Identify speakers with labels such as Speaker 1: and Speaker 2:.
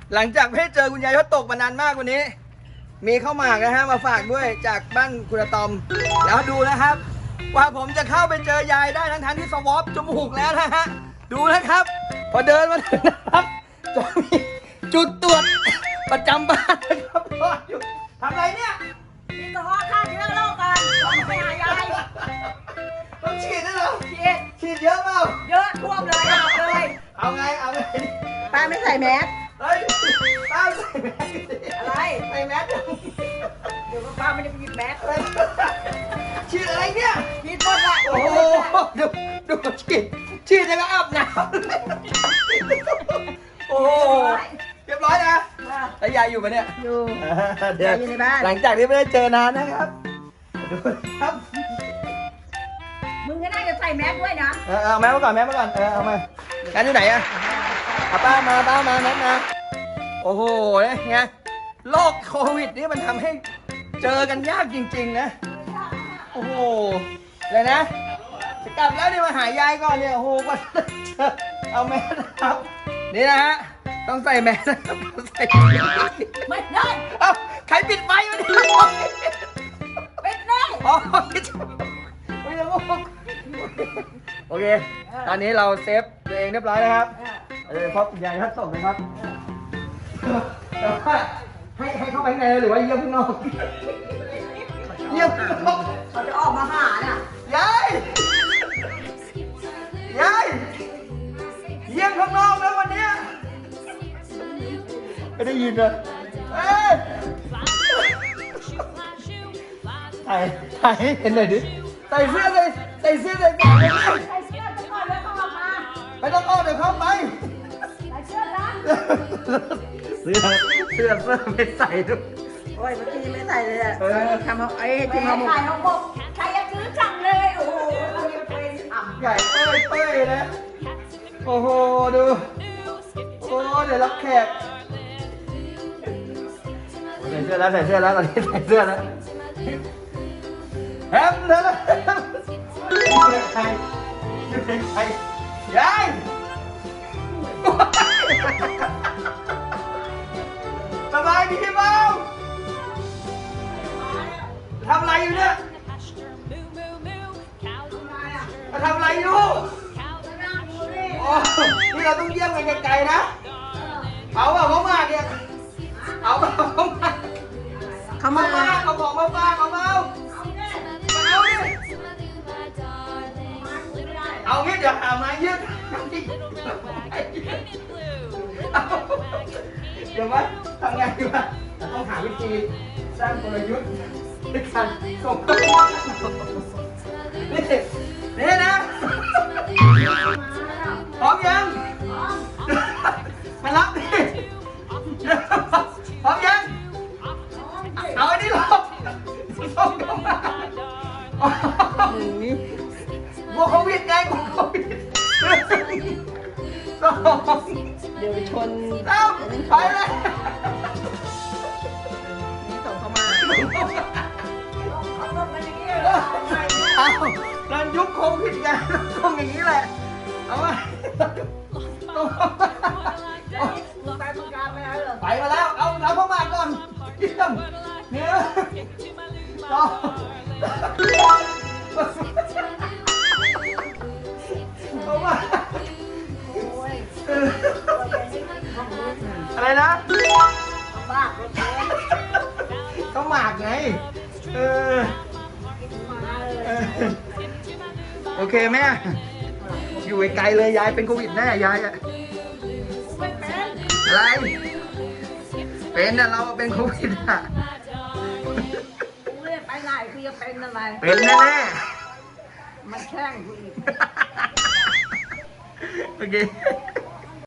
Speaker 1: หลังจากไม่ได้เจอคุณยายเขาตกมานานมากวันนี้ มีข้าวหมากนะฮะมาฝากด้วยจากบ้านคุณอาตอม แล้วดูนะครับว่าผมจะเข้าไปเจอยายได้ทั้งที่สวอปจมูกแล้วนะฮะดูนะครับ พอเดินมาถึงนะครับจะมีจุดตรวจประจำบ้านนะครับรออยู่ทำอะไรเนี่ย
Speaker 2: นี่ก็ว่าฆ่าเชื้อโรคกันต้องไปหายาย
Speaker 1: ต้องฉีดด้วยเหรอ
Speaker 2: ฉีด
Speaker 1: ฉีดเยอะเปล่า
Speaker 2: เยอะท่วมเลยอาบเลย
Speaker 1: เอาไงเอาไง
Speaker 2: ป้าไม่ใส่แมส
Speaker 1: เฮ้ยป้าใส่แมส
Speaker 2: อะไร
Speaker 1: ใส่แมสยัง
Speaker 2: เดี๋ยวป้าไม่ได้ไปหยิบแมส
Speaker 1: ฉีดอะไรเนี่ย
Speaker 2: ฉีดหมดละ
Speaker 1: โอ้โหดูฉีดยังก็อาบน้ำโอ้โหเรียบร้อยนะแล้วยายอยู่ปะเนี่ย
Speaker 2: อยู่
Speaker 1: เดี๋ยว
Speaker 2: อยู่ในบ้าน
Speaker 1: หลังจากที่ไม่ได้เจอนานนะครับดูครับ
Speaker 2: มึงก็น่าจะใส่แมสด้วยนะ
Speaker 1: เอาแมสมาก่อนแมสมาก่อนเอามาแมสอยู่ไหนอะเอาป้ามาแมสมาโอ้โหไงโรคโควิดนี่มันทำให้เจอกันยากจริงๆนะโอ้โหเลยนะจะกลับแล้วนี่มาหายายก่อนเนี่ยโอ้โหกว่าจะเจอเอาแมสนะครับนี่นะฮะต้องใส่แมสนะครับใส่
Speaker 2: ไม่ได้
Speaker 1: เอ้าใครปิดไฟมาดิ
Speaker 2: เป็นได้
Speaker 1: อ๋อไม่ได้โอเค ตอนนี้เราเซฟตัวเองเรียบร้อยแล้วครับเพราะคุณยายท่านส่งนะครับแต่ว่าให้เข้าไปข้างในหรือว่าเยี่ยมข้างนอกเยี่ยมข้างนอก
Speaker 2: เขาจะออกมาหาน่ะ
Speaker 1: ยายเยี่ยมข้างนอกนะวันเนี้ยไม่ได้ยินเลยถ่ายให้เห็นหน่อยดิใส่เสื้อก่อนเลย
Speaker 2: ใส่เสื้อไปก่อนแล้วเข้าออกมา
Speaker 1: ไม่ต้องออกเดี๋ยวเข้าไป
Speaker 2: ใส่เสื้อนะ
Speaker 1: เสื้อไม่ใส่ด้วย
Speaker 2: โอ้ยเมื่อกี้ไม่ใส่เลยอะ
Speaker 1: ทำเอา
Speaker 2: ที่มาขายเขาบอกใครจะซื้อจังเลยโอ้โหมันยังเป็นอ่ำ
Speaker 1: ใหญ่เป้ยนะโอ้โหดูโอ้เดี๋ยวรับแขกใส่เสื้อแล้วตอนนี้ใส่เสื้อแล้วแฮมเถอะนะใครยายสบายดีเปล่าทำอะไรอยู่เนี่ยมาทำอะไรอยู่โอ้นี่เราต้องเยี่ยมกันไกลๆนะเอาเปล่าเขามาเนี่ยเอาเปล่าเขามาเขาบอกมาป้าเอาเปล่าเอาดิเอางี้เดี๋ยวหามายืดเดี๋ยวว่าทำไงดีวะต้องหาวิธีสร้างกลยุทธ์ในการส่งนี่นะพร้อมยังมารับดิพร้อมยังเอาอันนี้หลบส่งเข้ามาบวกโควิดไงบวกโควิด
Speaker 2: เดี๋ยวชน
Speaker 1: เอาไปเลย
Speaker 2: นี่ส่งเข้ามา
Speaker 1: เอาตอนยุคโควิดไงต้องอย่างนี้แหละเอามาไปมาแล้วเอาเข้ามาก่อนเยี่ยมเนี่ยต่อเอามาอะไรนะก็หมากไงโอเคแม่อยู่ไกลเลยยายเป็นโควิดแน่ยายอะอะไรเป็นอะเราเป็นโควิดอะ
Speaker 2: ไปไหนคือจะเป็นอะไร
Speaker 1: เป็นแน่
Speaker 2: มันแช่งกูอีก
Speaker 1: ๆโอเค